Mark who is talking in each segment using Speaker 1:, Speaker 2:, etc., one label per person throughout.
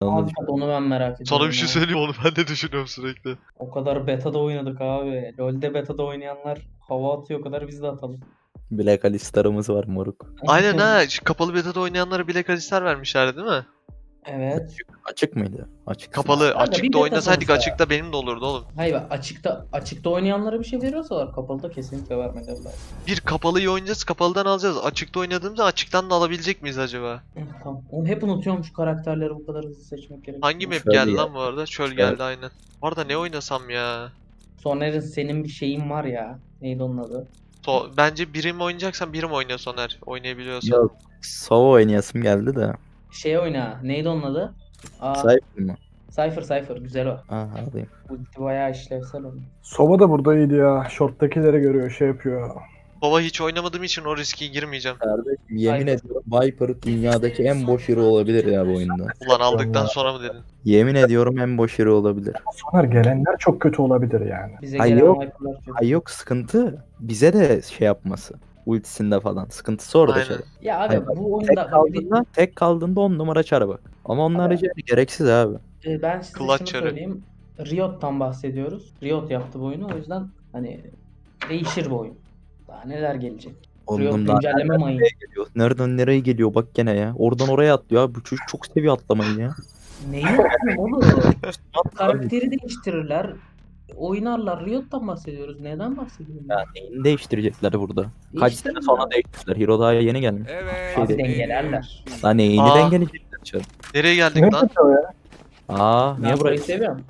Speaker 1: Abi
Speaker 2: Anladım.
Speaker 1: onu ben merak ediyorum.
Speaker 3: Sana bir şey
Speaker 1: ya.
Speaker 3: söyleyeyim, onu ben de düşünüyorum sürekli.
Speaker 1: O kadar beta'da oynadık abi. LoL'de beta'da oynayanlar hava atıyor, o kadar biz de atalım.
Speaker 2: Black Alistar'ımız var moruk.
Speaker 3: Aynen ha. Şu kapalı beta'da oynayanlara Black Alistar vermişlerdi değil mi?
Speaker 1: Evet.
Speaker 2: Açık mıydı? Açık.
Speaker 3: Kapalı,
Speaker 1: Kanka, bir
Speaker 3: açıkta
Speaker 1: beta
Speaker 3: oynasaydık
Speaker 1: sonuçta.
Speaker 3: açıkta benim de olurdu oğlum.
Speaker 1: Hayır bak, açıkta oynayanlara bir şey veriyorsalar kapalıda kesinlikle vermeleri lazım.
Speaker 3: Bir kapalıyı oynayacağız, kapalıdan alacağız. Açıkta oynadığımızda açıktan da alabilecek miyiz acaba?
Speaker 1: Hı, tamam. Oğlum hep unutuyorum şu karakterleri bu kadar hızlı seçmek gerekiyor.
Speaker 3: Hangi map
Speaker 2: Şöyle
Speaker 3: geldi
Speaker 2: ya.
Speaker 3: lan bu arada? Çöl geldi aynen. Bu arada ne oynasam ya?
Speaker 1: Soner'in senin bir şeyin var ya. Neydi onun adı?
Speaker 3: Bence birim oynayacaksan birim oyna Soner. Oynayabiliyorsan.
Speaker 2: Yok. Sova oynayasım geldi de.
Speaker 1: Şey oyna. Neydi onun adı? Aa,
Speaker 2: Sahip mi?
Speaker 1: Cypher güzel o.
Speaker 2: Aha alayım.
Speaker 1: Ulti bayağı işlevsel onun.
Speaker 4: Sova da burada iyiydi ya. Short'takilere görüyor, şey yapıyor.
Speaker 3: Baba hiç oynamadığım için o riske girmeyeceğim.
Speaker 2: Kardeşim yemin
Speaker 1: Viper.
Speaker 2: ediyorum Viper dünyadaki en boş hero olabilir ya bu oyunda.
Speaker 3: Ulan aldıktan
Speaker 4: ya.
Speaker 3: sonra mı dedin?
Speaker 2: Yemin ediyorum en boş hero olabilir.
Speaker 4: Soner gelenler çok kötü olabilir yani.
Speaker 1: Bize
Speaker 2: Ay
Speaker 1: gelen
Speaker 2: yok.
Speaker 1: Viper'lar çok.
Speaker 2: Ay yok sıkıntı bize de şey yapması. Ultisinde falan. Sıkıntısı orada
Speaker 3: Aynen.
Speaker 2: şey.
Speaker 1: Ya
Speaker 2: Hayır,
Speaker 1: abi
Speaker 2: bak,
Speaker 1: bu
Speaker 2: Tek
Speaker 1: oyunda bak,
Speaker 2: kaldığında 10 numara çara bak. Ama onun
Speaker 1: Abi-
Speaker 2: harici gereksiz abi.
Speaker 1: ben size
Speaker 3: Clutch
Speaker 1: şunu
Speaker 3: çarı.
Speaker 1: söyleyeyim. Riot'tan bahsediyoruz. Riot yaptı bu oyunu, o yüzden hani değişir bu oyun. Daha neler gelecek. Riot
Speaker 2: Ondan
Speaker 1: güncelleme mayın.
Speaker 2: geliyor. Nereden nereye geliyor bak gene ya. Oradan oraya atlıyor abi. Bu çocuk çok seviyor atlamayı ya.
Speaker 1: Neyi yapayım oğlum? Karakteri değiştirirler. Oynarlar. Riot'tan bahsediyoruz. Neden bahsediyorum?
Speaker 2: Ya neyini değiştirecekler burada? Kaç sene
Speaker 1: Değiştirirler.
Speaker 2: sonra değiştirdiler. Hero daha yeni gelmiş.
Speaker 5: Evet.
Speaker 2: Şey
Speaker 1: Abi
Speaker 2: değil.
Speaker 1: dengelerler.
Speaker 2: Lan neyini
Speaker 3: Aa.
Speaker 2: dengeleyecekler canım.
Speaker 3: Nereye geldik
Speaker 4: Ne
Speaker 3: lan?
Speaker 4: kötü o ya?
Speaker 2: Aa
Speaker 1: Ben
Speaker 2: niye burayı?
Speaker 1: burayı seviyorum.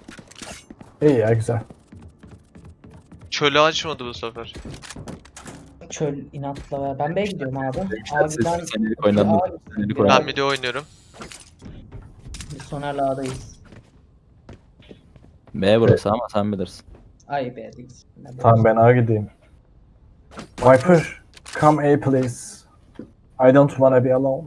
Speaker 4: İyi ya, güzel.
Speaker 3: Çölü açmadı bu sefer.
Speaker 1: Çöl inatla ver. Ben B'ye gidiyorum abi.
Speaker 2: Siz
Speaker 1: Abi ben
Speaker 2: senelik oynadınız.
Speaker 1: Abi,
Speaker 2: Senelik
Speaker 1: ben-
Speaker 2: oynadınız.
Speaker 3: Ben bir de oynuyorum.
Speaker 1: biz Soner'le A'dayız.
Speaker 2: B burası ama sen bilirsin.
Speaker 1: Ay B'deyiz.
Speaker 4: Tamam, ben A gideyim. Viper, come A please. I don't wanna be alone.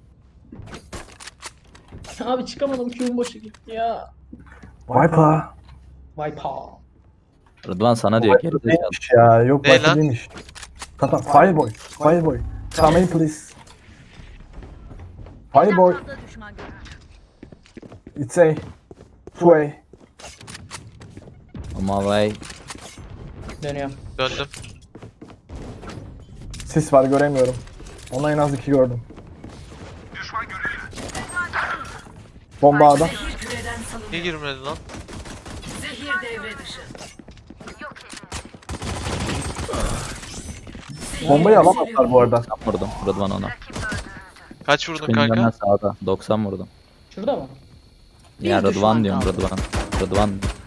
Speaker 1: Abi çıkamadım. Q'un boşa gitti ya.
Speaker 4: Viper.
Speaker 1: Viper.
Speaker 2: Rıdvan sana diyor geri zekalı.
Speaker 4: Değilmiş ya. Yok,
Speaker 3: Ne
Speaker 4: Viper
Speaker 3: lan?
Speaker 4: değilmiş. Tamam, Fireboy. Fireboy. Come A please. Fireboy. It's A. Two A.
Speaker 2: Ama vay.
Speaker 1: Dönüyorum.
Speaker 3: Döndüm.
Speaker 4: Sis var, göremiyorum. Ona en az 2 gördüm. Bomba A'da.
Speaker 3: Niye girmedi lan?
Speaker 4: Bombayı alamazlar bu arada.
Speaker 2: 90 vurdum Rıdvan ona.
Speaker 3: Kaç vurdun
Speaker 2: Benim
Speaker 3: kanka?
Speaker 2: hemen sağda. 90 vurdum.
Speaker 1: Şurada mı?
Speaker 2: Ya Rıdvan diyorum Rıdvan. Rıdvan.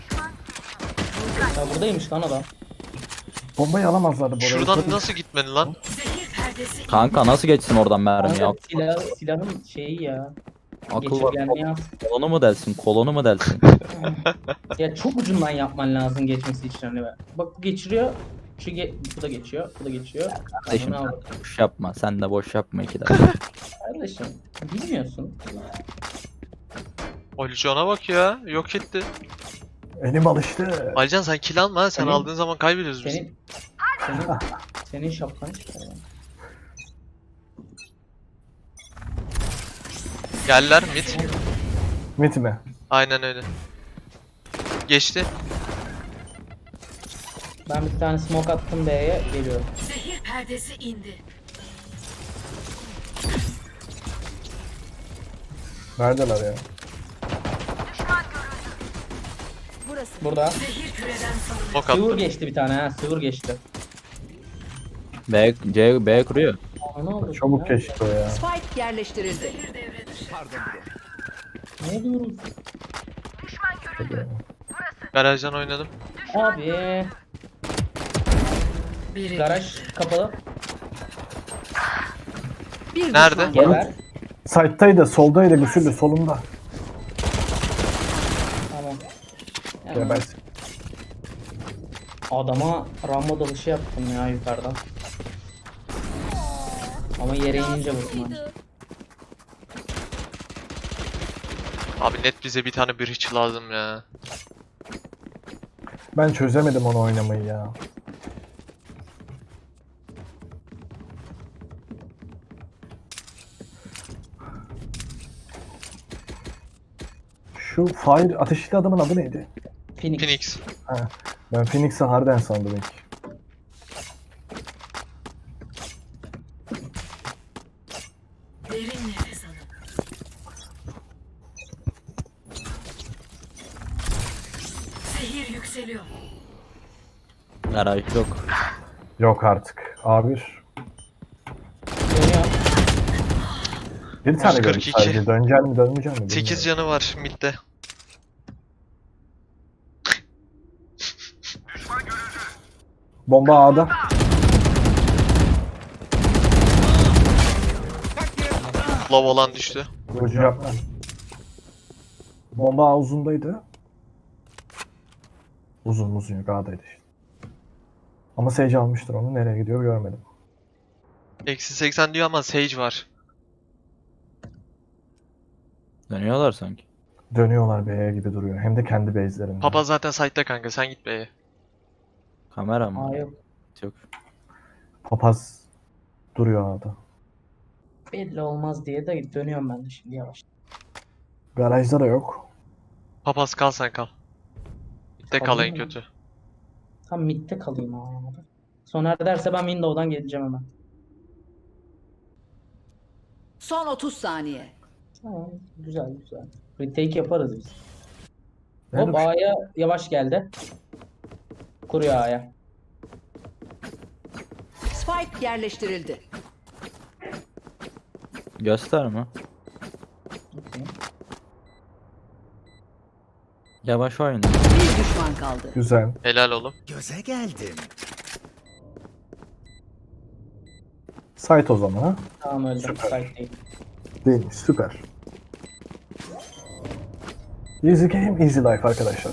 Speaker 1: Ya buradaymış lan adam.
Speaker 4: Bombayı alamazlardı bu arada.
Speaker 3: Şuradan
Speaker 4: Çok-
Speaker 3: nasıl gitmedi lan?
Speaker 2: Kanka nasıl geçsin oradan mermi ya?
Speaker 1: Kanka silahın şeyi ya.
Speaker 2: Akıl var.
Speaker 1: Geçirgenliği az.
Speaker 2: Kolonu mu delsin? Kolonu mu delsin?
Speaker 1: Ya çok ucundan yapman lazım geçmesi için hani. Bak bu geçiriyor. Bu da geçiyor. Bu da geçiyor.
Speaker 2: Kardeşim
Speaker 1: Amına
Speaker 2: sen
Speaker 1: al.
Speaker 2: de boş yapma. Sen de boş yapma iki dakika.
Speaker 1: Kardeşim bilmiyorsun.
Speaker 3: Alican'a bak ya. Yok etti.
Speaker 4: Elim alıştı.
Speaker 3: Alican sen kill alma ha. Sen
Speaker 1: Senin-
Speaker 3: aldığın zaman kaybediyoruz biz.
Speaker 1: Senin şapkan çıkar ya.
Speaker 3: Geldiler mid.
Speaker 4: Mit mi?
Speaker 3: Aynen öyle. Geçti.
Speaker 1: Ben bir tane smoke attım B'ye, geliyorum.
Speaker 6: Zehir perdesi indi.
Speaker 4: Neredeler ya?
Speaker 1: Burada.
Speaker 6: Zehir küreden salınıyor.
Speaker 3: Bok
Speaker 1: Sıvır
Speaker 3: attı.
Speaker 1: geçti bir tane ha. Sıvır geçti.
Speaker 2: B kuruyor.
Speaker 1: Aa, ne oldu?
Speaker 4: Çabuk
Speaker 1: ya?
Speaker 4: geçti o ya.
Speaker 6: Spike yerleştirildi. Zehir devre dışı.
Speaker 1: Ne diyoruz?
Speaker 3: Garajdan oynadım.
Speaker 1: Abi.
Speaker 6: Biri.
Speaker 1: Garaj kapalı.
Speaker 6: Bir
Speaker 3: Nerede?
Speaker 6: düşman
Speaker 1: Geber.
Speaker 4: Side'taydı, soldaydı, güçlü, solunda.
Speaker 1: Tamam.
Speaker 4: Ya
Speaker 1: Yani
Speaker 4: ben
Speaker 1: adama rambo dalışı yaptım ya yukarıdan. Ama yere inince vurdum ben.
Speaker 3: Abi net bize bir tane bir hiç lazım ya.
Speaker 4: ben çözemedim onu oynamayı ya. Şu Fire ateşli adamın adı neydi?
Speaker 1: Phoenix.
Speaker 3: Phoenix.
Speaker 4: Ben Phoenix'i Harden sandım ilk.
Speaker 6: Derin nefes alın. Zehir yükseliyor.
Speaker 2: Garaj yok.
Speaker 4: Yok artık. A1.
Speaker 1: Dönüyor.
Speaker 4: Bir tane gördüm
Speaker 3: 142.
Speaker 4: sadece. Dönecek mi dönmeyecek mi?
Speaker 3: 8
Speaker 4: bilmiyorum.
Speaker 3: canı var midde.
Speaker 4: Bomba A'da.
Speaker 3: Low olan düştü.
Speaker 4: Vurucu yapma. Bomba A uzundaydı. Uzun yok A'daydı işte. Ama Sage almıştır onu. Nereye gidiyor görmedim.
Speaker 3: Eksi 80 diyor ama Sage var.
Speaker 2: Dönüyorlar sanki.
Speaker 4: Dönüyorlar B'ye gibi duruyor. Hem de kendi base'lerinde.
Speaker 3: Papa zaten site'da kanka, sen git B'ye.
Speaker 2: Kamera mı?
Speaker 1: Aa yok.
Speaker 2: Yok.
Speaker 4: Papaz duruyor A'da.
Speaker 1: Belli olmaz diye de dönüyorum ben de şimdi yavaş.
Speaker 4: Garajda da yok.
Speaker 3: Papaz kal, sen kal. Midde kal en
Speaker 1: Kalayım mı?
Speaker 3: kötü.
Speaker 1: Tam midde kalayım ama. Soner derse ben window'dan geleceğim hemen.
Speaker 6: Son 30 saniye.
Speaker 1: Tamam, güzel güzel. Retake yaparız biz.
Speaker 4: Nerede
Speaker 1: Hop
Speaker 4: bu şey?
Speaker 1: A'ya yavaş geldi. Kuruyor A'ya.
Speaker 6: Spike yerleştirildi.
Speaker 2: Gösterme.
Speaker 1: Okey.
Speaker 2: Yavaş oyna.
Speaker 6: Bir düşman kaldı.
Speaker 4: Güzel.
Speaker 3: Helal oğlum.
Speaker 5: Göze geldim.
Speaker 4: Site o zaman ha.
Speaker 1: Tamam öldüm.
Speaker 4: Süper.
Speaker 1: Site değil.
Speaker 4: Değil mi? Süper. Easy game, easy life arkadaşlar.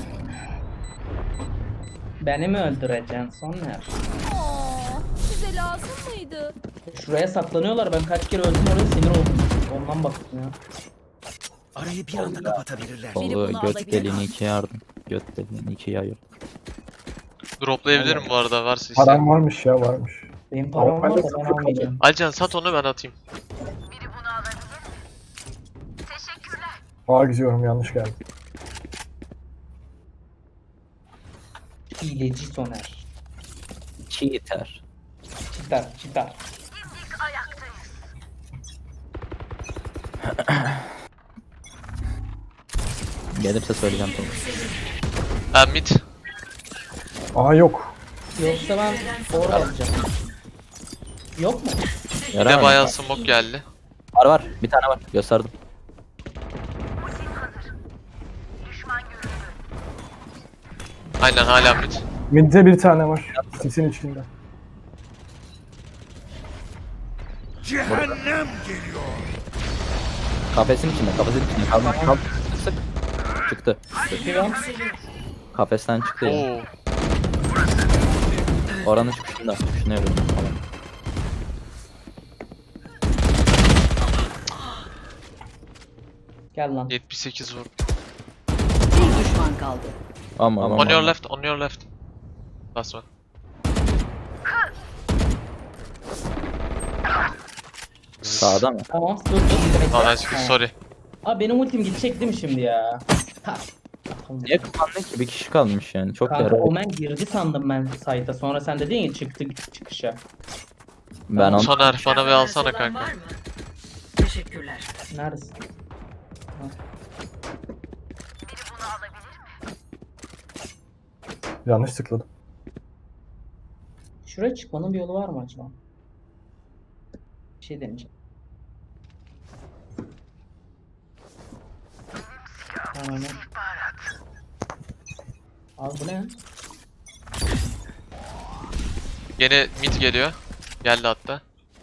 Speaker 1: Beni mi öldüreceksin Soner?
Speaker 7: Size lazım mıydı?
Speaker 1: Şuraya saklanıyorlar. Ben kaç kere öldüm oraya sinir oldum. Ondan baktım ya.
Speaker 5: Arayı bir anda kapatabilirler.
Speaker 7: Biri
Speaker 2: Kolu
Speaker 7: bunu
Speaker 2: göt
Speaker 7: alabilir.
Speaker 2: deliğini ikiye yardım. Göt deliğini ikiye ayır.
Speaker 3: Droplayabilirim bu arada, varsa isteyen.
Speaker 4: Param varmış ya varmış.
Speaker 1: Benim param
Speaker 4: Ama
Speaker 1: var
Speaker 4: ben
Speaker 1: da
Speaker 4: de
Speaker 1: ben
Speaker 4: sıfır
Speaker 1: almayacağım.
Speaker 3: Alcan sat onu, ben atayım.
Speaker 4: A gidiyorum yanlış geldi.
Speaker 1: Hileci Soner.
Speaker 2: Cheater.
Speaker 1: Çıtar çıtar.
Speaker 2: Gelirse söyleyeceğim tamam.
Speaker 3: Ben mid.
Speaker 4: A yok.
Speaker 1: Yoksa ben orada yapacağım. Yok mu?
Speaker 3: Bir
Speaker 2: Yarar
Speaker 3: de
Speaker 2: mı?
Speaker 3: bayağı smoke geldi.
Speaker 2: Var var. Bir tane var. Gösterdim.
Speaker 3: Aynen, hala mid.
Speaker 4: Mid'de bir tane var. Sisin içinde.
Speaker 5: Cehennem geliyor.
Speaker 2: Kafesin içinde. Kafesin içinde. Kalk. Sık. Çıktı.
Speaker 1: Çıkıyorum.
Speaker 2: Kafesten çıktı ya.
Speaker 3: Oo.
Speaker 2: Oranın çıkışında. Çıkışına yürüyorum. Tamam.
Speaker 1: Gel lan.
Speaker 3: 78 vurdu.
Speaker 6: Bir düşman kaldı.
Speaker 2: Ama
Speaker 3: On your left, on your left. Last one.
Speaker 2: Sağda mı?
Speaker 1: Tamam dur dur.
Speaker 3: Oh, nice, sorry.
Speaker 1: Abi benim ultim gidecek değil mi şimdi ya? Ha.
Speaker 2: Niye kullandın ki? Bir kişi kalmış yani. Çok
Speaker 1: Kanka
Speaker 2: yarar.
Speaker 1: Omen girdi sandım ben site'a. Sonra sen dedin ya çıktı çıkışa.
Speaker 2: Ben onu
Speaker 3: Soner bana bir alsana
Speaker 6: Olan
Speaker 3: kanka.
Speaker 6: var mı? Teşekkürler.
Speaker 1: Neredesin?
Speaker 4: Yanlış tıkladım.
Speaker 1: Şuraya çıkmanın bir yolu var mı acaba? Bir şey deneyeceğim. Tamam. Abi bu ne?
Speaker 3: Yine mid geliyor. Geldi hatta.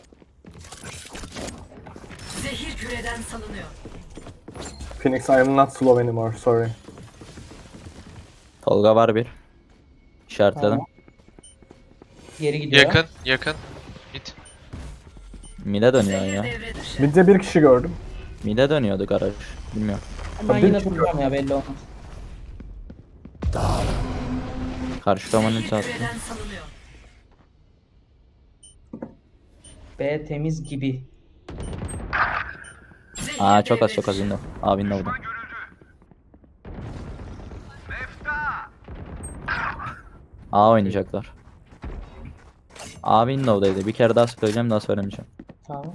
Speaker 6: Zehir küreden salınıyor.
Speaker 4: Phoenix, I am not slow anymore, sorry.
Speaker 2: Tolga var bir. İşaretledim.
Speaker 1: Tamam. Geri gidiyor.
Speaker 3: Yakın, yakın. Mid.
Speaker 2: Mide dönüyor
Speaker 6: Zehir
Speaker 2: ya.
Speaker 6: devre dışı.
Speaker 4: Mid'de bir kişi gördüm.
Speaker 2: Mide dönüyordu garaj. Bilmiyorum.
Speaker 1: Ben
Speaker 4: Tabii
Speaker 1: yine
Speaker 4: ki.
Speaker 1: duracağım ya belli olmaz.
Speaker 2: Karşı kamanın
Speaker 6: Zehir
Speaker 2: çarptı.
Speaker 6: küreden salınıyor.
Speaker 1: B temiz gibi.
Speaker 6: Zehir
Speaker 2: Aa çok az
Speaker 6: devre
Speaker 2: çok az
Speaker 6: dışı.
Speaker 2: window. Aa window'da. A oynayacaklar. A Windows'daydı. Bir kere daha söyleyeceğim, daha söylemeyeceğim.
Speaker 1: Tamam.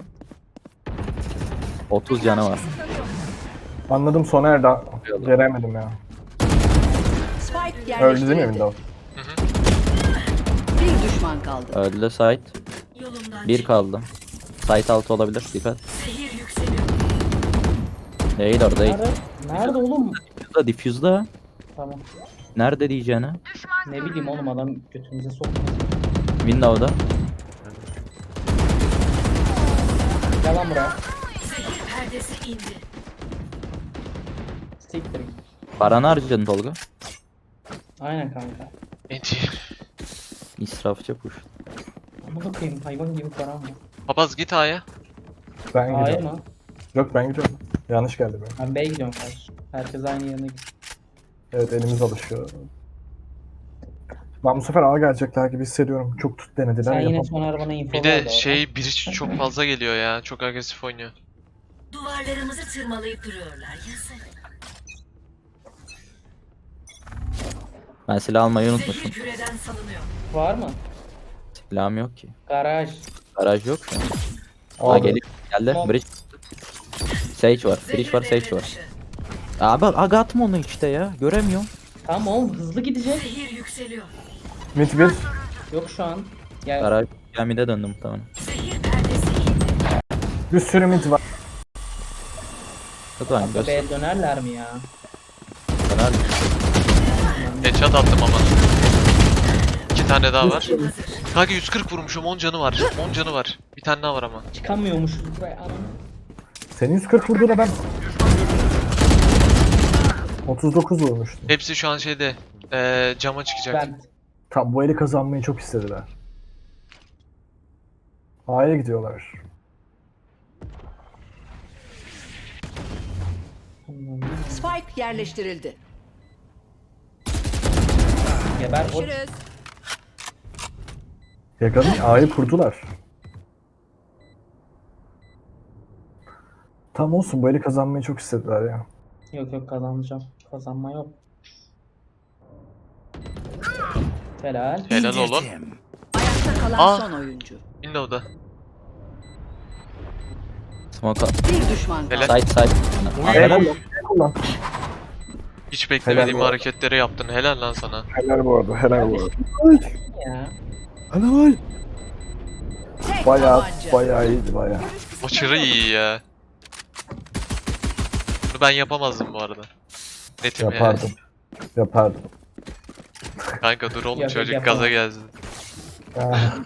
Speaker 2: 30 canı var.
Speaker 4: Anladım, Soner da göremedim ya.
Speaker 6: Spike
Speaker 4: Öldü değil mi
Speaker 6: yerleştirildi.
Speaker 4: Windows?
Speaker 6: Bir düşman kaldı.
Speaker 2: Öldü site.
Speaker 6: Yolumdan
Speaker 2: 1 kaldı. Site altı olabilir. Dikkat.
Speaker 6: Zehir yükseliyor.
Speaker 2: Değil orada değil.
Speaker 1: Nerede? Nerede oğlum?
Speaker 2: Diffuse'da, diffuse'da.
Speaker 1: Tamam.
Speaker 2: Nerede diyeceğini?
Speaker 1: Ne bileyim oğlum, adam götümüze soktu.
Speaker 2: Windows'da.
Speaker 1: Gel lan buraya.
Speaker 6: Zehir perdesi indi.
Speaker 1: Siktir git.
Speaker 2: Paranı harcadın Tolga.
Speaker 1: Aynen kanka.
Speaker 3: Enti.
Speaker 2: İsrafçı push.
Speaker 1: Amına koyayım, hayvan gibi param var.
Speaker 3: Papaz git A'ya.
Speaker 4: Ben
Speaker 1: Hayır
Speaker 4: gidiyorum.
Speaker 1: mı?
Speaker 4: Yok, ben gidiyorum. Yanlış geldi benim.
Speaker 1: Ben B'ye gidiyorum kardeşim. Herkes aynı yerine gidiyor.
Speaker 4: Evet, elimiz alışıyor. Ben bu sefer A gelecekler gibi hissediyorum. Çok tut denediler.
Speaker 1: Sen yine
Speaker 4: yapamadım.
Speaker 1: Soner bana info
Speaker 3: Bir
Speaker 1: ver
Speaker 3: de
Speaker 1: orada.
Speaker 3: şey biri çok fazla geliyor ya. Çok agresif oynuyor.
Speaker 6: Duvarlarımızı tırmalayıp duruyorlar. Yazık.
Speaker 2: Ben silah almayı unutmuşum.
Speaker 6: Zehir küreden salınıyor.
Speaker 1: Var mı?
Speaker 2: Silahım yok ki.
Speaker 1: Garaj.
Speaker 2: Garaj yok şu an. Aa
Speaker 4: Aldı.
Speaker 2: geliyor. Geldi.
Speaker 1: Tamam.
Speaker 2: Bridge. Sage var.
Speaker 6: Zehir
Speaker 2: Bridge var,
Speaker 6: devre
Speaker 2: Sage var.
Speaker 6: dışı.
Speaker 2: Abi aga atma onu işte ya. Göremiyorum.
Speaker 1: Tamam oğlum, hızlı gidecek.
Speaker 6: Zehir yükseliyor.
Speaker 4: Mid 1.
Speaker 1: Yok şu an. Ya
Speaker 2: Garaj gemide döndüm muhtemelen.
Speaker 6: Zehir perdesi indi.
Speaker 4: Bir sürü mid var.
Speaker 2: Lütfen göster.
Speaker 1: B'ye dönerler mi ya?
Speaker 3: Headshot attım ama. 2 tane daha var.
Speaker 6: Hazır.
Speaker 3: Kanka 140 vurmuşum, 10 canı var. 10 canı var. Bir tane daha var ama.
Speaker 1: Çıkamıyormuşuz buraya. Anam.
Speaker 4: Senin 140 vurduğuna ben 39 vurmuştum.
Speaker 3: Hepsi şu an şeyde cama çıkacak.
Speaker 1: Ben.
Speaker 4: Tam bu eli kazanmayı çok istediler. A'ya gidiyorlar.
Speaker 6: Spike yerleştirildi.
Speaker 1: Geber o.
Speaker 7: Görüşürüz.
Speaker 4: Yakanın A'yı kurdular. Tam olsun, bu eli kazanmayı çok istediler ya.
Speaker 1: Yok yok, kazanacağım. Kazanma yok. Helal.
Speaker 3: Helal oğlum.
Speaker 5: İndirdim.
Speaker 6: Ayakta kalan
Speaker 3: Aa.
Speaker 6: son oyuncu.
Speaker 3: Window'da.
Speaker 2: Smoke up.
Speaker 6: Bir düşman kaldı.
Speaker 3: Helal.
Speaker 2: Side side.
Speaker 4: Helal lan. Kullan.
Speaker 3: Hiç beklemediğim
Speaker 4: Helal.
Speaker 3: hareketleri yaptın. Helal lan sana.
Speaker 4: Helal bu arada, helal bu arada.
Speaker 1: Ya.
Speaker 4: Helal.
Speaker 6: Tek
Speaker 4: Bayağı,
Speaker 6: tabanca.
Speaker 4: bayağı iyiydi bayağı.
Speaker 3: Aşırı iyi ya. Bunu ben yapamazdım bu arada. Netim
Speaker 4: Yapardım. Yapardım.
Speaker 3: yani. Kanka dur oğlum,
Speaker 1: Yok,
Speaker 3: çocuk
Speaker 1: yapamam.
Speaker 3: gaza gelsin.
Speaker 4: Ah.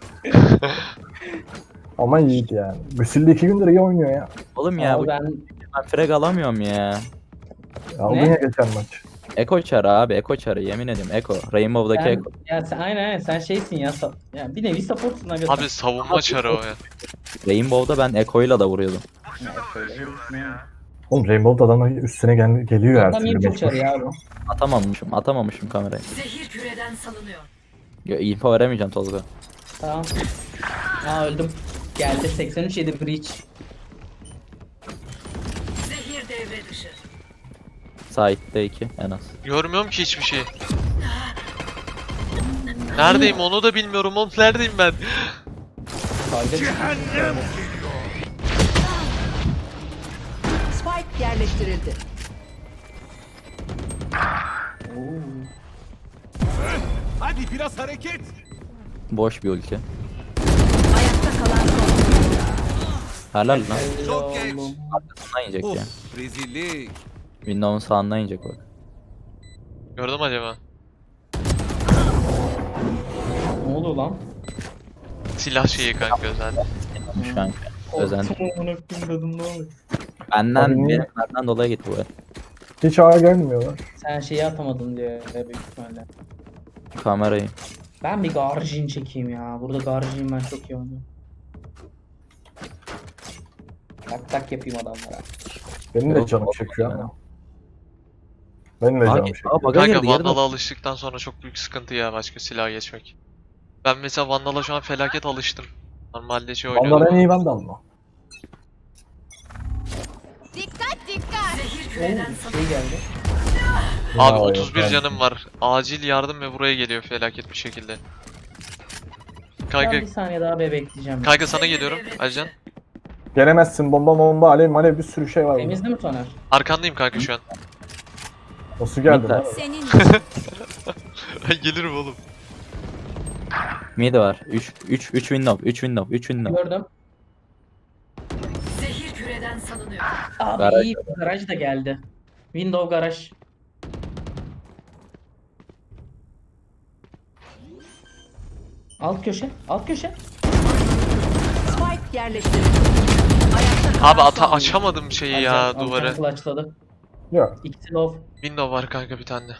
Speaker 4: Ama iyiydi yani. Büsülde 2 gündür iyi oynuyor ya.
Speaker 2: Oğlum ya
Speaker 1: Abi
Speaker 2: bu
Speaker 1: ben
Speaker 2: ben frag alamıyorum ya.
Speaker 4: Aldın
Speaker 1: Ne?
Speaker 4: ya geçen maç.
Speaker 2: Eko çarı abi, Eko çarı, yemin ediyorum Eko. Rainbow'daki
Speaker 1: sen,
Speaker 2: Eko.
Speaker 1: ya sen aynen sen şeysin ya. Ya bir nevi supportsun aga.
Speaker 3: Abi savunma çarı o ya.
Speaker 2: Rainbow'da ben Eko'yla da vuruyordum.
Speaker 1: Ya, şöyle vurursun ya.
Speaker 4: Oğlum Rainbow'da adamlar üstüne geliyor her
Speaker 1: Adam
Speaker 4: türlü.
Speaker 1: iyi çok
Speaker 4: mecbur.
Speaker 1: çarı ya bu.
Speaker 2: Atamamışım kamerayı.
Speaker 6: Zehir küreden salınıyor.
Speaker 2: Info veremeyeceğim Tolga.
Speaker 1: Tamam. Aa öldüm. Geldi 83 yedi breach.
Speaker 6: Zehir devre dışı.
Speaker 2: Side'de 2 en az.
Speaker 3: Görmüyorum ki hiçbir şey. Neredeyim onu da bilmiyorum oğlum, neredeyim ben?
Speaker 1: Kaydı.
Speaker 6: Spike yerleştirildi.
Speaker 1: Oo.
Speaker 5: Hadi biraz hareket.
Speaker 2: Boş bir ulti.
Speaker 6: Ayakta kalan son oyuncu.
Speaker 2: Helal lan.
Speaker 5: Çok geç.
Speaker 1: Oğlum.
Speaker 2: Sağından yiyecek ya.
Speaker 5: Of, rezillik.
Speaker 2: Windows'un sağından yiyecek bak.
Speaker 3: Gördüm acaba?
Speaker 1: Ne oldu lan?
Speaker 3: Silah şeyi kanka zaten.
Speaker 2: Şu an özen.
Speaker 1: Korktum amına koyayım dedim, ne oluyor?
Speaker 2: Benden dolayı gitti bu el.
Speaker 4: Hiç A'ya gelmiyorlar.
Speaker 1: Sen şeyi atamadın diye büyük ihtimalle.
Speaker 2: Kamerayı.
Speaker 1: Ben bir Garjin çekeyim ya. Burada Garjin ben çok iyi oynuyorum. Tak tak yapayım adamlara.
Speaker 4: Benim de
Speaker 2: Yok,
Speaker 4: canım
Speaker 2: olmadı
Speaker 4: çekiyor
Speaker 2: yani.
Speaker 4: ama. Benim de canım
Speaker 2: Aa
Speaker 4: çekiyor.
Speaker 2: baga
Speaker 3: Kanka
Speaker 2: girdi yerde.
Speaker 3: Vandal'a alıştıktan sonra çok büyük sıkıntı ya başka silaha geçmek. Ben mesela Vandal'a şu an felaket alıştım. Normalde şey
Speaker 4: Vandal en
Speaker 3: oynuyordum.
Speaker 4: iyi Vandal mı?
Speaker 7: Dikkat dikkat.
Speaker 6: Zehir
Speaker 1: Oo
Speaker 6: küreden
Speaker 1: şey
Speaker 6: salınıyor.
Speaker 1: geldi.
Speaker 3: Abi
Speaker 4: Ya,
Speaker 3: 31
Speaker 4: yok,
Speaker 3: canım var. Acil yardım ve buraya geliyor felaket bir şekilde.
Speaker 1: Ben
Speaker 3: Kanka,
Speaker 1: bir saniye daha bekleyeceğim.
Speaker 3: kanka sana geliyorum Alican.
Speaker 4: Gelemezsin, bomba alev malev bir sürü şey var burada.
Speaker 1: Temiz değil mi Soner?
Speaker 3: Arkandayım kanka şu an.
Speaker 4: Nasıl geldi
Speaker 2: Mid
Speaker 4: lan?
Speaker 2: var.
Speaker 7: Senin
Speaker 3: Ben gelirim oğlum.
Speaker 2: Mid var. 3 window. 3 window. 3 window.
Speaker 1: Gördüm.
Speaker 6: Zehir küreden salınıyor.
Speaker 1: Abi
Speaker 2: Garaj
Speaker 1: iyi. Garaj da geldi. Window garaj. Alt köşe. Alt köşe.
Speaker 6: Spike yerleştirildi. Ayakta kalan
Speaker 3: Abi
Speaker 6: son oyuncu.
Speaker 3: açamadım şeyi ya duvarı.
Speaker 1: Clutchladı.
Speaker 4: Yok.
Speaker 1: İkisi low.
Speaker 3: Window var kanka bir tane.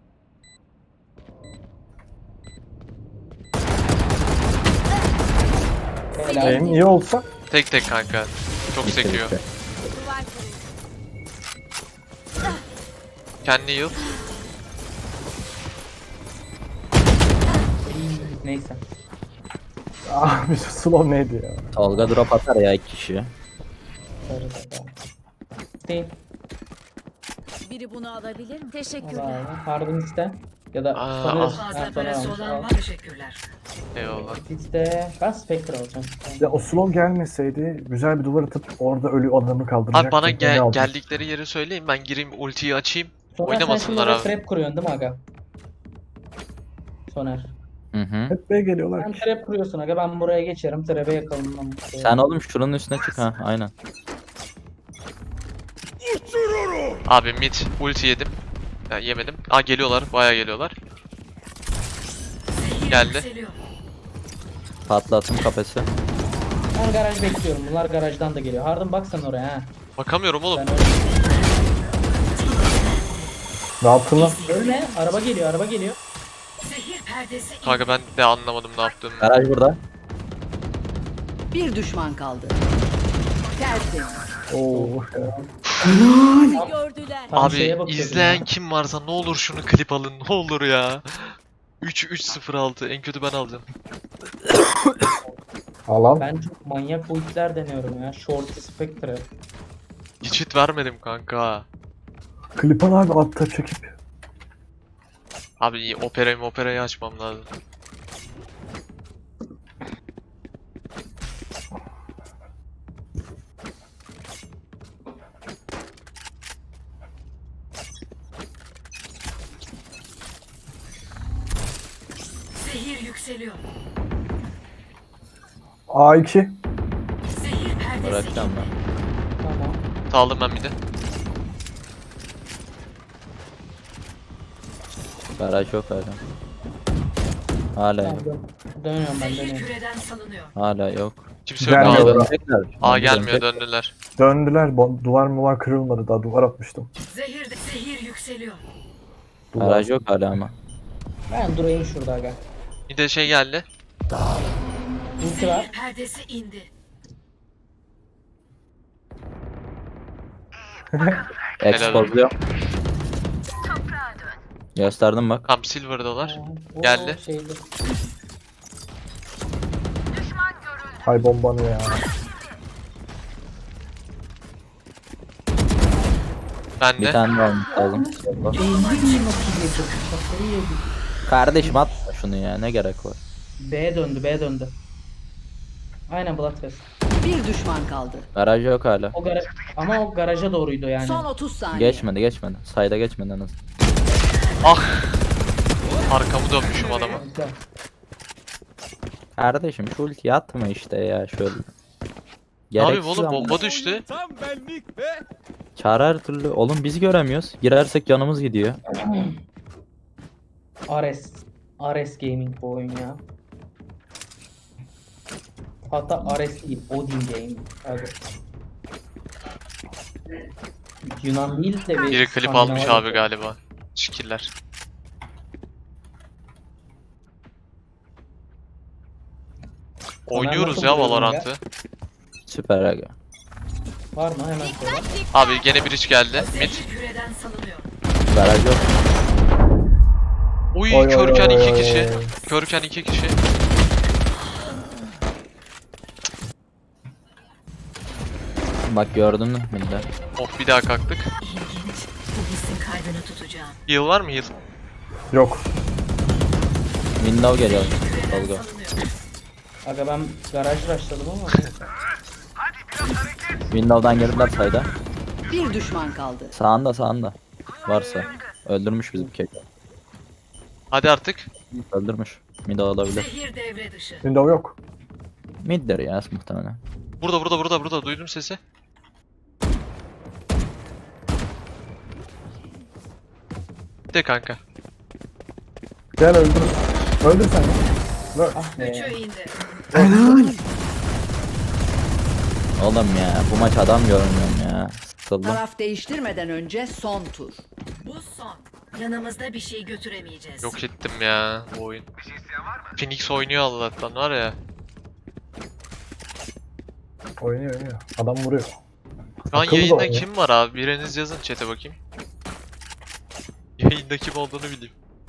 Speaker 1: Helal.
Speaker 4: En iyi olsa
Speaker 3: Tek tek kanka. Çok
Speaker 2: Bitti,
Speaker 3: sekiyor.
Speaker 2: bitti.
Speaker 7: duvar kırıldı.
Speaker 3: Kendi yıl.
Speaker 1: Neyse.
Speaker 4: abi slow neydi ya?
Speaker 2: Tolga drop atar ya 2 kişi.
Speaker 1: Sarı da. Değil.
Speaker 7: Biri bunu alabilir mi?
Speaker 1: Al
Speaker 7: Teşekkürler.
Speaker 1: abi. Harbin iste. Ya da
Speaker 3: Aa,
Speaker 1: Soner.
Speaker 3: al.
Speaker 6: Fazla
Speaker 1: Ha, Soner
Speaker 6: parası
Speaker 1: almış.
Speaker 6: olan
Speaker 1: Al.
Speaker 6: var. Teşekkürler.
Speaker 3: Eyvallah.
Speaker 1: İste. Ben Spectre alacağım.
Speaker 4: Ya o slow gelmeseydi güzel bir duvar atıp orada ölü adamı kaldıracaktım.
Speaker 3: Abi bana
Speaker 4: Beni aldı.
Speaker 3: geldikleri yeri söyleyin, ben gireyim ultiyi açayım.
Speaker 1: Soner sen şimdi
Speaker 3: Oynamasınlar
Speaker 1: oraya
Speaker 3: abi.
Speaker 1: trap kuruyorsun değil mi aga? Soner.
Speaker 2: Hı hı.
Speaker 4: Hep B'ye geliyorlar
Speaker 1: Sen
Speaker 4: ki.
Speaker 1: trap kuruyorsun aga, ben buraya geçerim. Trap'e yakalım.
Speaker 2: Sen oğlum şuranın üstüne çık ha. Aynen.
Speaker 3: Abi mid ulti yedim. Ya, yemedim. Aa geliyorlar, bayağı geliyorlar.
Speaker 6: Zehir
Speaker 3: Geldi.
Speaker 6: yükseliyor.
Speaker 2: Patlattım kafesi.
Speaker 1: Ben garaj bekliyorum. Bunlar garajdan da geliyor. Harun bak sen oraya ha.
Speaker 3: Bakamıyorum oğlum.
Speaker 1: Ben oraya...
Speaker 4: Ne yaptın lan?
Speaker 1: Ölme. Araba geliyor. Araba geliyor.
Speaker 6: Zehir perdesi indi.
Speaker 3: Kanka ben de anlamadım ne yaptığımı.
Speaker 2: Garaj burada.
Speaker 6: Bir düşman kaldı. Tertemiz.
Speaker 4: Oo.
Speaker 7: Gördüler.
Speaker 1: Tam
Speaker 3: Abi
Speaker 1: şeye bakıyordum
Speaker 3: izleyen
Speaker 1: ya.
Speaker 3: kim varsa ne olur şunu klip alın, ne olur ya. 3-3-0-6 en kötü ben alacağım.
Speaker 4: Alan.
Speaker 1: Ben çok manyak ultiler deniyorum ya. Short Spectre.
Speaker 3: Hiç hit vermedim kanka.
Speaker 4: Klipan abi altta çekip.
Speaker 3: Abi iyi, operayı açmam lazım.
Speaker 6: Zehir yükseliyor.
Speaker 4: A2.
Speaker 6: Zehir perdesi
Speaker 2: Bırakacağım ben.
Speaker 1: Tamam.
Speaker 3: Aldım ben bir de.
Speaker 2: Garaj yok hala. Hala
Speaker 1: Tamam,
Speaker 2: yok.
Speaker 1: dönüyorum ben
Speaker 6: Zehir
Speaker 1: dönüyorum.
Speaker 6: küreden salınıyor.
Speaker 2: Hala yok.
Speaker 3: Kimse yok
Speaker 4: Gelmiyor.
Speaker 3: abi.
Speaker 2: Dönecekler.
Speaker 3: Aa gelmiyor,
Speaker 2: Dönecek.
Speaker 3: döndüler.
Speaker 4: Döndüler. Duvar mı var kırılmadı daha duvar atmıştım.
Speaker 6: Zehir yükseliyor.
Speaker 4: Duvar.
Speaker 2: Garaj yok hala ama.
Speaker 1: Ben durayım şurada aga.
Speaker 3: Bir de şey geldi.
Speaker 1: Ulti var.
Speaker 6: Zehir perdesi indi.
Speaker 2: Expozluyor. Gösterdim bak.
Speaker 3: Tam silver'dalar.
Speaker 1: Oo,
Speaker 3: Geldi.
Speaker 1: Şeydi.
Speaker 4: Hay bombanı ya.
Speaker 3: Ben
Speaker 2: Bir
Speaker 3: de.
Speaker 2: tane daha olmuş lazım. Kardeşim atma şunu ya, ne gerek var.
Speaker 1: B döndü, B döndü. Aynen Bloodfest.
Speaker 6: Bir düşman kaldı.
Speaker 2: Garaj yok hala.
Speaker 1: O garaj ama o garaja doğruydu yani.
Speaker 6: Son 30 saniye.
Speaker 2: Geçmedi. Sayda geçmedi en az.
Speaker 3: Ah! Arkamı dönmüşüm adama.
Speaker 1: Güzel.
Speaker 2: Kardeşim şu ultiyi atma işte ya şöyle.
Speaker 3: Ne yapayım
Speaker 2: Gereksiz
Speaker 3: oğlum,
Speaker 2: ama.
Speaker 3: bomba düştü.
Speaker 5: Tam benlik ve
Speaker 2: Çağrı her türlü. Oğlum biz göremiyoruz. Girersek canımız gidiyor.
Speaker 1: Ares Gaming bu oyun ya. Hatta Ares değil, Odin Gaming. Hadi. Yunan değil de bir
Speaker 3: Biri klip
Speaker 1: İskandinav
Speaker 3: almış abi
Speaker 1: oyun.
Speaker 3: galiba. Şikiller. Oynuyoruz
Speaker 1: nasıl
Speaker 3: ya
Speaker 1: buluyorsun
Speaker 3: Valorant'ı.
Speaker 2: Süper aga.
Speaker 1: Var mı? Hemen söyle.
Speaker 3: Abi gene bir iş geldi. Mid.
Speaker 6: Zehir küreden salınıyor.
Speaker 2: Garaj yok.
Speaker 3: Uy
Speaker 4: Oy, oy,
Speaker 3: körken
Speaker 4: oy,
Speaker 3: 2
Speaker 4: oy,
Speaker 3: kişi.
Speaker 4: oy.
Speaker 3: Körken 2 kişi.
Speaker 2: Bak gördün mü? Millet.
Speaker 3: Oh bir daha kalktık.
Speaker 6: Bu hissin kaydını tutacağım.
Speaker 3: Heal var mı heal?
Speaker 4: Yok.
Speaker 2: Window geliyor.
Speaker 6: Küreden
Speaker 2: Tolga.
Speaker 6: salınıyor.
Speaker 1: Aga ben garaj rushladım ama.
Speaker 2: Window'dan girdiler sayda.
Speaker 6: Bir düşman kaldı.
Speaker 2: Sağında. Varsa. Öldürmüş bizim keko.
Speaker 3: Hadi artık.
Speaker 2: Öldürmüş. Mid olabilir.
Speaker 6: Zehir devre dışı.
Speaker 4: Window yok.
Speaker 2: Mid'dir ya muhtemelen.
Speaker 3: Burada. Duydum sesi. De kanka.
Speaker 4: Gel öldür. Öldür sen ya. Öl.
Speaker 1: Ah
Speaker 6: Üçü
Speaker 1: be.
Speaker 6: indi.
Speaker 2: Oğlum ya bu maç adam görmüyorum ya. Sıkıldım.
Speaker 6: Taraf değiştirmeden önce son tur. Bu son. Yanımızda bir şey götüremeyeceğiz.
Speaker 3: Yok ettim ya bu oyun. Phoenix oynuyor Allah'tan var ya.
Speaker 4: Oynuyor. Adam vuruyor.
Speaker 3: Şu an
Speaker 4: Akıllı da
Speaker 3: yayında
Speaker 4: oynuyor.
Speaker 3: kim var abi? Biriniz yazın chat'e bakayım. Yayında kim olduğunu bileyim.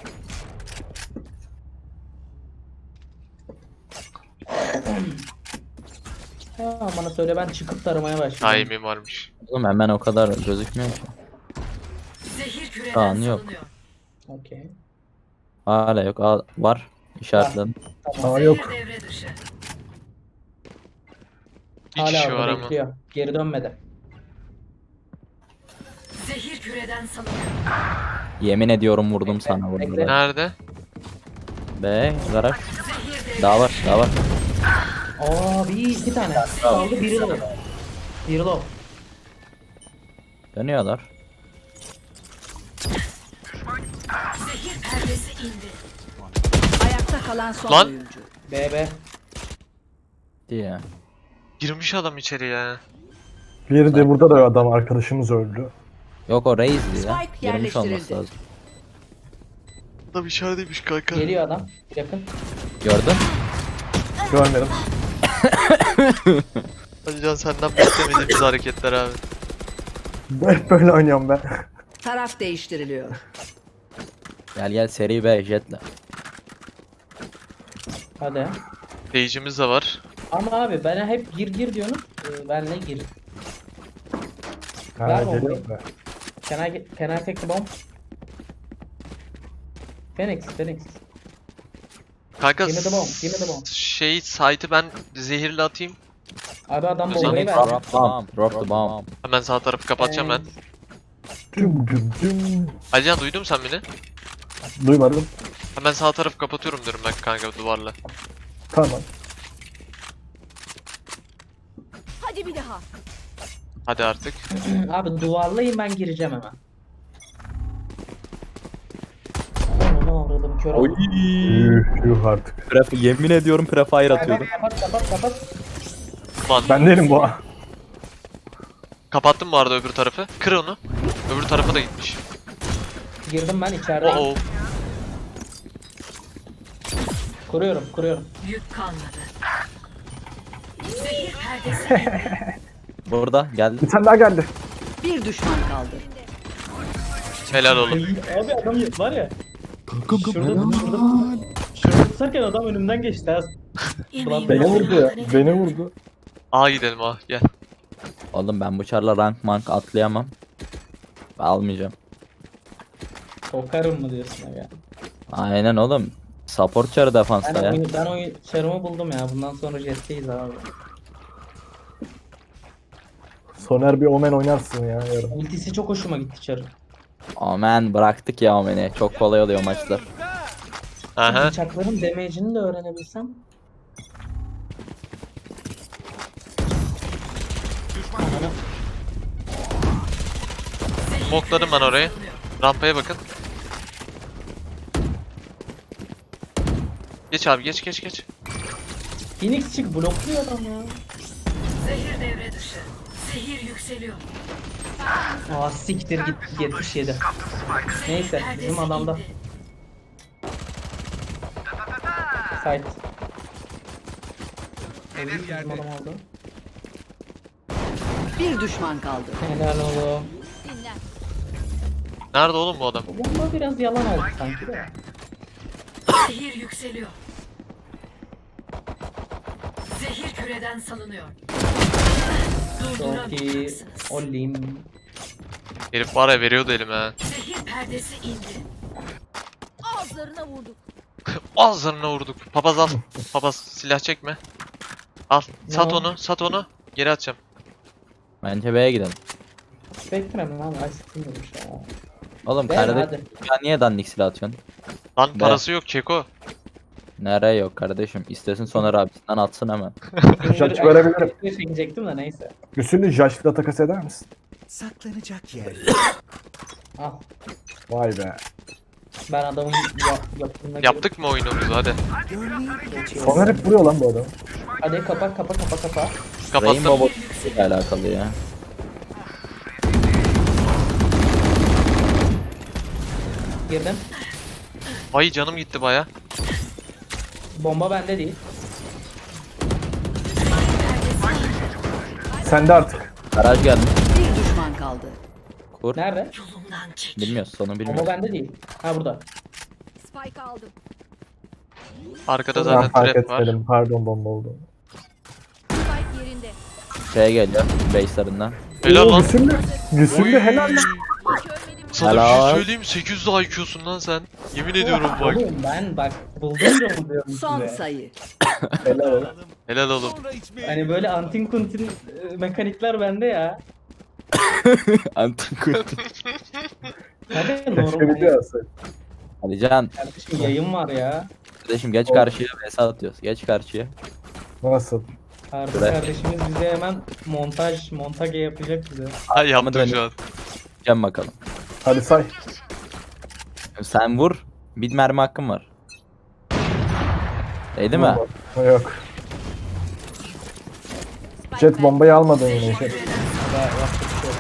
Speaker 1: Ha, bana söyle ben çıkıp taramaya başlayayım.
Speaker 3: Timing varmış.
Speaker 2: Oğlum hemen o kadar gözükmüyor ki.
Speaker 6: Zehir küreden
Speaker 2: Kaan yok.
Speaker 6: salınıyor.
Speaker 1: Okey.
Speaker 2: Hala yok. Var. İşaretledim.
Speaker 4: Aa yok.
Speaker 6: Zehir devre dışı.
Speaker 3: Bir
Speaker 1: Hala
Speaker 3: kişi var
Speaker 1: orada
Speaker 3: ama.
Speaker 1: bekliyor. Geri dönmedi.
Speaker 6: Zehir küreden salınıyor.
Speaker 2: Yemin ediyorum vurdum sana
Speaker 1: bekle.
Speaker 2: vurdum.
Speaker 3: Nerede?
Speaker 2: Be garaj.
Speaker 6: Zehir devre
Speaker 2: Daha var.
Speaker 1: Aa iki tane. Kaldı biri low. Biri low.
Speaker 2: Dönüyorlar.
Speaker 6: Zehir perdesi indi. Ayakta kalan son
Speaker 3: Lan!
Speaker 6: oyuncu.
Speaker 1: BB.
Speaker 2: Diye.
Speaker 3: Girmiş adam içeri ya.
Speaker 4: Bir de burada da adam arkadaşımız öldü.
Speaker 2: Yok o Reis'di ya.
Speaker 6: Spike
Speaker 2: Girmiş olması
Speaker 6: yerleştirildi.
Speaker 2: lazım.
Speaker 3: Adam içerideymiş kanka.
Speaker 1: Geliyor adam. Yakın.
Speaker 2: Gördün?
Speaker 4: Görmedim.
Speaker 3: Hadi Can senden beklemediğimiz hareketler abi.
Speaker 4: Hep böyle oynuyorum ben.
Speaker 6: Taraf değiştiriliyor.
Speaker 2: Gel seri be jetle.
Speaker 1: Hadi.
Speaker 3: Seyircimiz de var.
Speaker 1: Ama abi bana hep gir diyorsunuz. Benle gir.
Speaker 4: Ha,
Speaker 1: Ver
Speaker 4: geliyor
Speaker 1: bombayı.
Speaker 4: be.
Speaker 1: Can I take the bomb? Phoenix.
Speaker 3: Kanka
Speaker 1: Give me the bomb. Give me the bomb.
Speaker 3: şey site'ı ben zehirle atayım.
Speaker 1: Abi adam
Speaker 3: Özellikle
Speaker 1: bombayı verdi.
Speaker 2: Drop the bomb.
Speaker 3: Hemen sağ tarafı kapatacağım ben.
Speaker 4: Düm.
Speaker 3: Alican duydun mu sen beni?
Speaker 4: Duymadım.
Speaker 3: Hemen sağ tarafı kapatıyorum diyorum ben kanka duvarla.
Speaker 4: Tamam.
Speaker 7: Hadi bir daha.
Speaker 3: Hadi artık.
Speaker 1: Abi duvarlayın ben gireceğim hemen. Onu avradım kör
Speaker 2: Oy.
Speaker 1: oldum.
Speaker 4: Yuh artık.
Speaker 2: Yemin ediyorum prefire atıyordum.
Speaker 1: Kapat.
Speaker 3: Lan
Speaker 4: Ben değilim bu.
Speaker 3: kapattım bu arada öbür tarafı. Kır onu. Öbür tarafa da gitmiş.
Speaker 1: Girdim ben içerideyim.
Speaker 3: Oo.
Speaker 1: Kuruyorum.
Speaker 6: Yük kalmadı. Zehir perdesi indi.
Speaker 2: Burada geldi.
Speaker 4: Bir tane daha geldi.
Speaker 6: Bir düşman kaldı.
Speaker 3: Helal oğlum.
Speaker 1: Abi adam var ya. Şurada tutarken adam önümden geçti. ha.
Speaker 4: Beni vurdu ya. Beni vurdu.
Speaker 3: A gidelim A gel.
Speaker 2: Oğlum ben bu çarla rank atlayamam. Almayacağım.
Speaker 1: Kokarım mı diyorsun ya?
Speaker 2: Aynen oğlum. Support çarı defansta ya.
Speaker 1: Ben oyun çarımı buldum ya. Bundan sonra jetteyiz abi.
Speaker 4: Soner bir Omen oynarsın ya yarın.
Speaker 1: Ultisi çok hoşuma gitti çarı.
Speaker 2: Aman bıraktık ya Omen'i. Çok kolay oluyor maçlar.
Speaker 3: Aha.
Speaker 1: Bıçakların damage'ini de öğrenebilsem. Ananı-
Speaker 3: Smokladım ben orayı. Rampaya bakın. Geç abi geç.
Speaker 1: Phoenix çık blokluyor adam ya.
Speaker 6: Zehir devre dışı. Zehir yükseliyor.
Speaker 1: Aa siktir gitti 77. Neyse bizim
Speaker 6: Perdesi
Speaker 1: adamda.
Speaker 6: indi.
Speaker 1: Site.
Speaker 5: Hedef
Speaker 1: Bizim
Speaker 5: yerde.
Speaker 1: adam oldu.
Speaker 6: Bir düşman kaldı.
Speaker 1: Helal oğlum.
Speaker 7: Dinlen.
Speaker 3: Nerede oğlum bu adam?
Speaker 1: Bu bomba biraz yalan oldu sanki de.
Speaker 6: Zehir yükseliyor. Zehir küreden salınıyor.
Speaker 1: Çok iyi.
Speaker 6: Durduramayacaksınız.
Speaker 1: Olim.
Speaker 3: Herif var ya veriyordu elime ha.
Speaker 6: Zehir perdesi indi.
Speaker 7: Ağızlarına vurduk.
Speaker 3: Ağızlarına vurduk. Papaz al. Papaz silah çekme. Al. Sat
Speaker 1: Ne o?
Speaker 3: onu. Sat onu. Geri atacağım.
Speaker 2: Bence B'ye gidelim.
Speaker 1: Bekleme lan. Ay sıkılmıyormuş ya.
Speaker 2: Oğlum
Speaker 1: Ver
Speaker 2: kardeşim
Speaker 1: hadi.
Speaker 2: ya niye dandik silah atıyorsun?
Speaker 3: Lan
Speaker 2: Be.
Speaker 3: parası yok Keko.
Speaker 2: Nereye yok kardeşim? İstesin Soner abisinden atsın hemen.
Speaker 4: Judge verebilirim.
Speaker 1: Çekecektim de neyse.
Speaker 4: Üstünü Judge'la takas eder misin?
Speaker 5: Saklanacak yer.
Speaker 1: Al.
Speaker 4: Vay be.
Speaker 1: Ben adamın yaptığına
Speaker 3: Yaptık mı oyunumuzu hadi.
Speaker 5: Görmeyi
Speaker 4: Soner hep vuruyor lan bu adam.
Speaker 1: Hadi kapa.
Speaker 3: Kapattım.
Speaker 2: Rainbow ile alakalı ya.
Speaker 1: Girdim.
Speaker 3: Ay canım gitti baya.
Speaker 1: Bomba bende değil.
Speaker 4: Sen de artık.
Speaker 2: Garaj geldi.
Speaker 6: Bir düşman kaldı.
Speaker 2: Kur.
Speaker 1: Nerede?
Speaker 6: Yolumdan çek.
Speaker 2: Bilmiyoruz sonu
Speaker 1: Bomba
Speaker 2: bilmiyoruz.
Speaker 1: bende değil. Ha burada.
Speaker 7: Spike aldım.
Speaker 3: Arkada
Speaker 4: Ben
Speaker 3: zaten
Speaker 4: fark
Speaker 3: trap var.
Speaker 4: etmedim. Pardon bomba oldu.
Speaker 7: Spike yerinde.
Speaker 2: Şeye geliyor. Base'lerinden.
Speaker 3: Helal lan.
Speaker 4: Güsüllü helal lan.
Speaker 7: Görmedim.
Speaker 3: Sana bir
Speaker 2: Helal.
Speaker 3: şey söyleyeyim 800 IQ'sun lan sen. Yemin ediyorum bak.
Speaker 1: Oğlum ben bak buldum diyorum
Speaker 6: Son
Speaker 1: size.
Speaker 6: sayı.
Speaker 1: Helal oğlum.
Speaker 3: Helal oğlum.
Speaker 5: sonra içmeye
Speaker 1: Hani böyle antin kuntin mekanikler bende ya.
Speaker 2: Antikurt.
Speaker 1: Hadi
Speaker 4: Keşke
Speaker 1: normal.
Speaker 4: video alsaydı.
Speaker 2: Hadi Can.
Speaker 1: Kardeşim yayın var ya.
Speaker 2: Kardeşim geç karşıya vs atıyoruz. Geç karşıya.
Speaker 4: Nasıl?
Speaker 1: Harbi
Speaker 2: Bırak.
Speaker 1: kardeşimiz bize hemen montaj yapacak bize.
Speaker 3: Ay yaptım
Speaker 2: dönelim.
Speaker 3: şu an.
Speaker 2: Can bakalım.
Speaker 4: Hadi say.
Speaker 2: Sen vur. Bir mermi hakkın var. Değdi mi?
Speaker 4: Yok.
Speaker 7: Spike
Speaker 4: Jet
Speaker 7: bende.
Speaker 4: bombayı almadın yine. Jet.
Speaker 1: Daha yapacak bir şey yok.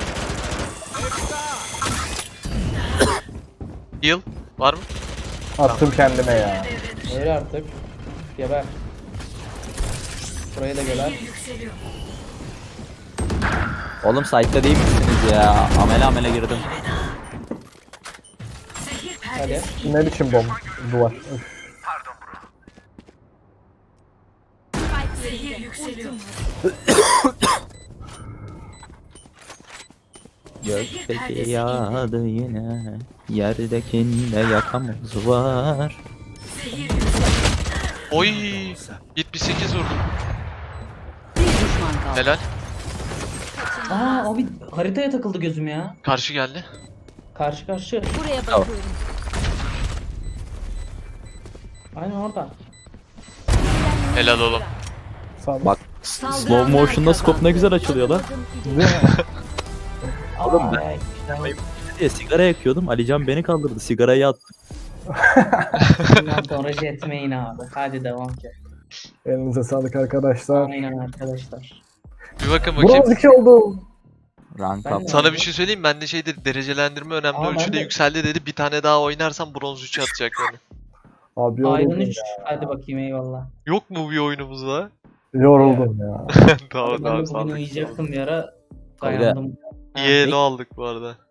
Speaker 3: Heal var mı?
Speaker 4: Attım kendime ya.
Speaker 1: Öyle artık. Geber. Buraya da geber.
Speaker 6: Yükseliyor.
Speaker 2: Oğlum site'da değil misiniz ya? Amele girdim.
Speaker 6: Zehir
Speaker 1: Hadi.
Speaker 6: perdesi
Speaker 4: Ne biçim bomba? Duvar. Üf.
Speaker 7: Spike
Speaker 6: Zehir
Speaker 7: yerinde.
Speaker 6: yükseliyor.
Speaker 2: Gökteki yağdı yine. Yerdekinde yakamız var.
Speaker 6: Zehir yükseliyor.
Speaker 3: Oy. 78 vurdum.
Speaker 6: Bir düşman kaldı.
Speaker 3: Helal.
Speaker 1: Aa abi haritaya takıldı gözüm ya.
Speaker 3: Karşı geldi.
Speaker 1: Karşı.
Speaker 7: Buraya
Speaker 2: Tamam.
Speaker 7: bakıyorum.
Speaker 1: Aynen orada.
Speaker 3: Helal oğlum.
Speaker 4: Sağ
Speaker 2: Bak slow motion'da scope ne güzel açılıyor lan.
Speaker 4: Değil mi?
Speaker 2: Oğlum
Speaker 1: Aa,
Speaker 2: ben-
Speaker 1: işte
Speaker 2: diye sigara yakıyordum. Alican beni kaldırdı. Sigarayı attı.
Speaker 1: bundan sonra jetmeyin abi. Hadi devam ki.
Speaker 4: Elinize sağlık arkadaşlar.
Speaker 1: Aynen arkadaşlar.
Speaker 3: Bir bakın bakayım.
Speaker 4: Bronz 2 oldu.
Speaker 2: Rank
Speaker 1: Ben
Speaker 2: up.
Speaker 1: de-
Speaker 3: Sana bir şey söyleyeyim. Bende şeydir derecelendirme önemli
Speaker 1: Aa, ben
Speaker 3: ölçüde
Speaker 1: de-
Speaker 3: yükseldi dedi. Bir tane daha oynarsam bronz 3'e atacak beni.
Speaker 4: Abi
Speaker 1: Iron
Speaker 4: yoruldum
Speaker 1: 3.
Speaker 4: ya.
Speaker 1: Hadi bakayım eyvallah.
Speaker 3: Yok mu bir oyunumuz daha?
Speaker 4: Yoruldum ya.
Speaker 3: Tamam
Speaker 1: Ben de
Speaker 3: tamam
Speaker 1: bugün
Speaker 3: sağlık.
Speaker 1: uyuyacaktım bir ara.
Speaker 2: Öyle.
Speaker 1: Dayandım. Ha,
Speaker 3: İyi elo aldık bu arada.